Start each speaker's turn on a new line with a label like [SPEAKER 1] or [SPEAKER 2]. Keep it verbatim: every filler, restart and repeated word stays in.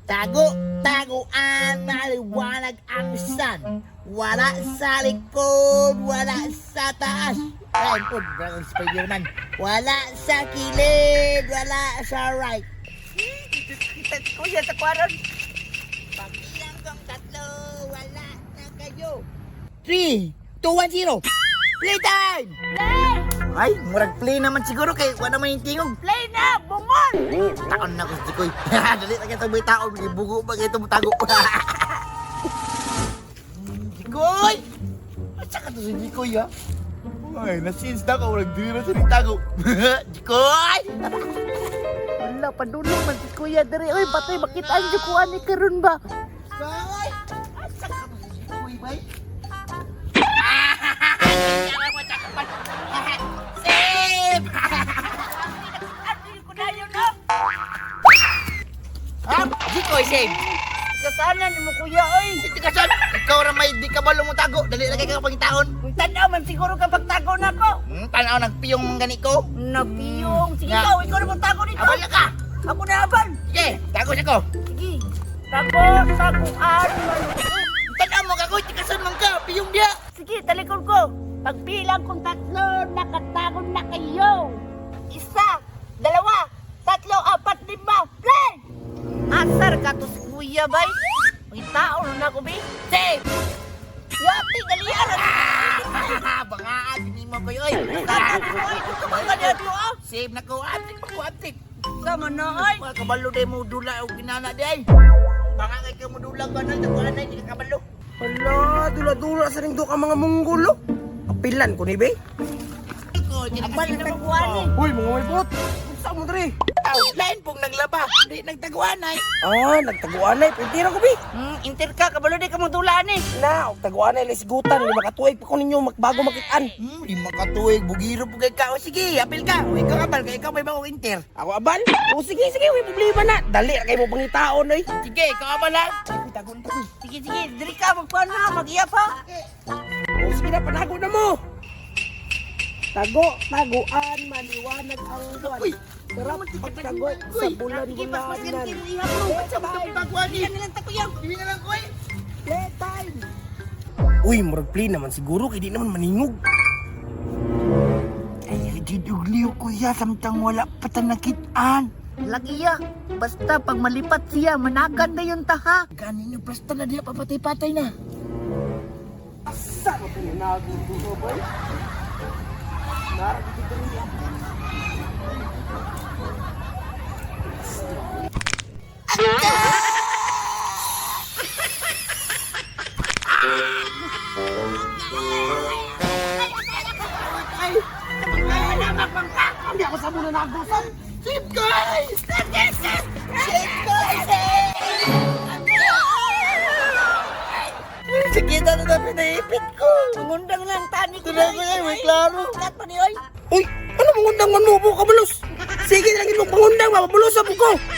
[SPEAKER 1] Tago, taguan, maliwanag ang sun. Wala sa likod, wala sa taas. Ayun po, Dragon Spider-Man. Wala sa kilid, wala sa right.
[SPEAKER 2] Kuya sa kwaron.
[SPEAKER 1] Pagbilang kong tatlo, wala na kayo. three, two, one, zero. Playtime!
[SPEAKER 2] Play!
[SPEAKER 1] Ay, murag play naman siguro kay wala man yung tingog.
[SPEAKER 2] Play na! Bungon!
[SPEAKER 1] Taon na ko si Jikoy. Dali na kita may taon. Bugo pa kayo tago. Jikoy! At saka to si Jikoy ha? Ay, na-sense na ka. Walang dili na sa tago. Jikoy!
[SPEAKER 2] Wala, padulong man si Kuya diri. Uy, batay, makitaan niyo ko ani karon ba?
[SPEAKER 1] Jikoy! At saka to si Jikoy ba? Save!
[SPEAKER 2] Ano ko na yun, no?
[SPEAKER 1] Ha? Jikoy, save!
[SPEAKER 2] Kasana ni mo, Kuya, oy.
[SPEAKER 1] Hindi ka son! Ikaw ra may di ka balong mo tago. Dali lagay ka pangitaon.
[SPEAKER 2] Kung tanaw man siguro kapag tago na ko.
[SPEAKER 1] Hmm, tanaw nagpiyong mga gani ko.
[SPEAKER 2] Napiyong. Sige,
[SPEAKER 1] Nga.
[SPEAKER 2] ikaw, ikaw na mong tago nito.
[SPEAKER 1] Abal na ka!
[SPEAKER 2] Ako na abal.
[SPEAKER 1] Sige, tago siya ko.
[SPEAKER 2] Sige. Tago, taguan.
[SPEAKER 1] Tanaw mo kagoy, tikasan man ka, piyong dia.
[SPEAKER 2] Sige, talikod ko. Pagbilang kong tatlo, nakatago na kayo. Isa, dalawa, tatlo, apat, lima, play! Asar ka to si Kuya, bay. May tao na ako, bay. Save! Yati, galiyaran.
[SPEAKER 1] Bangaan, hindi mo ko yoy.
[SPEAKER 2] ah.
[SPEAKER 1] Save na ko, atik pa ko, atik.
[SPEAKER 2] Sama na, ay.
[SPEAKER 1] Mga kabalo day mo dula o ginana day. Baka kay ka mo dula ka na, taguan na, hindi ka kabalo.
[SPEAKER 3] Hala, dula-dula sa ring ka mga munggulo. Kapilan ko ni be.
[SPEAKER 1] Iko,
[SPEAKER 2] Abal na magkuhan, eh.
[SPEAKER 3] Uy, mga malipot. Saan mo dre?
[SPEAKER 1] Aw, lain pong naglaba, di nagtaguan ay.
[SPEAKER 3] Ah, nagtaguan ay. Pwede na ko be.
[SPEAKER 2] Hmm, inter ka, kabalo di ka mong dulaan, eh.
[SPEAKER 3] Na, og taguan ay lisgutan. Lima katuig pa ko ninyo magbago makitaan.
[SPEAKER 1] Hmm, di makatuig, bugiro po kay ka. O sige, apil ka. O ikaw kabal, kay ikaw may bagong inter.
[SPEAKER 3] Ako abal? O sige, sige, may problema na. Dali, kay mo pangitaon oy.
[SPEAKER 1] Sige, ikaw kabal ha. Ay, tagon, tagon.
[SPEAKER 2] Sige, sige, diri ka, magkuhan na, mag-iyap, ha.
[SPEAKER 3] O sige na, panago na mo. Tago, taguan, maliwanag ang buwan.
[SPEAKER 1] Uy,
[SPEAKER 3] Sarap pagtago sa bulan-bulanan.
[SPEAKER 2] Ihap mo, ba't sa mga
[SPEAKER 1] taguan ni.
[SPEAKER 2] Yan nilang takuyang.
[SPEAKER 1] Hindi na lang ko eh.
[SPEAKER 3] Playtime! Uy, murag play naman siguro, kaya di naman maningog.
[SPEAKER 1] Ay, didugliw ko ya, samtang wala patanakitaan.
[SPEAKER 2] Lagiya, basta pag malipat siya, managan na yung taha.
[SPEAKER 1] Ganin yung basta na diya, papatay-patay na.
[SPEAKER 3] Asa mo pinanago ko, boy? Narag dito rin. Hindi ako sa muna nagusan.
[SPEAKER 1] Save guys! Save guys! Sakita na na pinaipit ko.
[SPEAKER 2] Mangundang lang tani ko.
[SPEAKER 1] Tuloy ko yan, may klaro.
[SPEAKER 2] Lahat pa ni Oy.
[SPEAKER 3] Uy, ano mangundang man mo po, kabalos? Sige na lang itong pangundang, mapabulos sa buko.